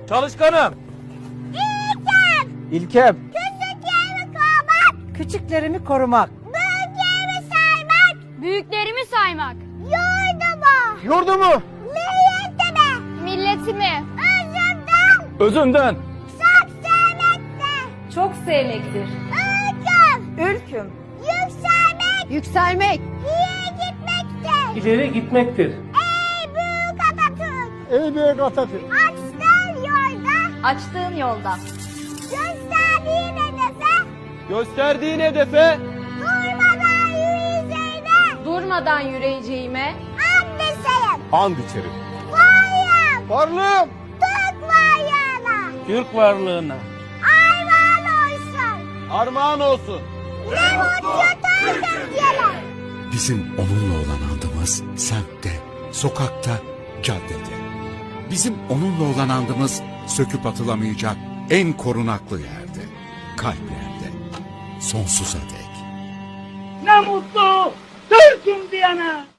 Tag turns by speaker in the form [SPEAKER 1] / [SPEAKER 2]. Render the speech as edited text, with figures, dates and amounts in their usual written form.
[SPEAKER 1] Çalışkanım.
[SPEAKER 2] İlkem.
[SPEAKER 3] Küçüklerimi korumak.
[SPEAKER 2] Küçüklerimi korumak.
[SPEAKER 3] Büyüklerimi saymak.
[SPEAKER 4] Büyüklerimi saymak.
[SPEAKER 3] Yurdumu.
[SPEAKER 2] Yurdumu.
[SPEAKER 3] Milliyetimi.
[SPEAKER 4] Milletimi.
[SPEAKER 3] Özümden.
[SPEAKER 1] Özümden.
[SPEAKER 3] Çok sevmekte.
[SPEAKER 4] Çok sevmektir.
[SPEAKER 3] Ülküm.
[SPEAKER 2] Ülküm.
[SPEAKER 3] Yükselmek.
[SPEAKER 4] Yükselmek.
[SPEAKER 3] İyi gitmekte.
[SPEAKER 1] İleri gitmektir.
[SPEAKER 3] Ey büyük Atatürk.
[SPEAKER 2] Ey büyük Atatürk.
[SPEAKER 3] Açtığın yolda.
[SPEAKER 4] Açtığın yolda.
[SPEAKER 3] Gösterdiğin hedefe.
[SPEAKER 1] Gösterdiğin hedefe
[SPEAKER 3] Durmadan yürüyeceğine.
[SPEAKER 4] Durmadan yürüyeceğime.
[SPEAKER 3] And içerim.
[SPEAKER 1] and içerim.
[SPEAKER 3] Varlığım.
[SPEAKER 2] Varlığım.
[SPEAKER 3] Türk varlığına.
[SPEAKER 1] Türk varlığına
[SPEAKER 3] Armağan olsun.
[SPEAKER 1] armağan olsun.
[SPEAKER 3] Ne mutlu Türk'üm.
[SPEAKER 5] Bizim onunla olan andımız semtte, sokakta, caddede. Bizim onunla olan andımız söküp atılamayacak en korunaklı yerde, kalplerde, sonsuza dek.
[SPEAKER 6] Ne mutlu Türk'üm diyene.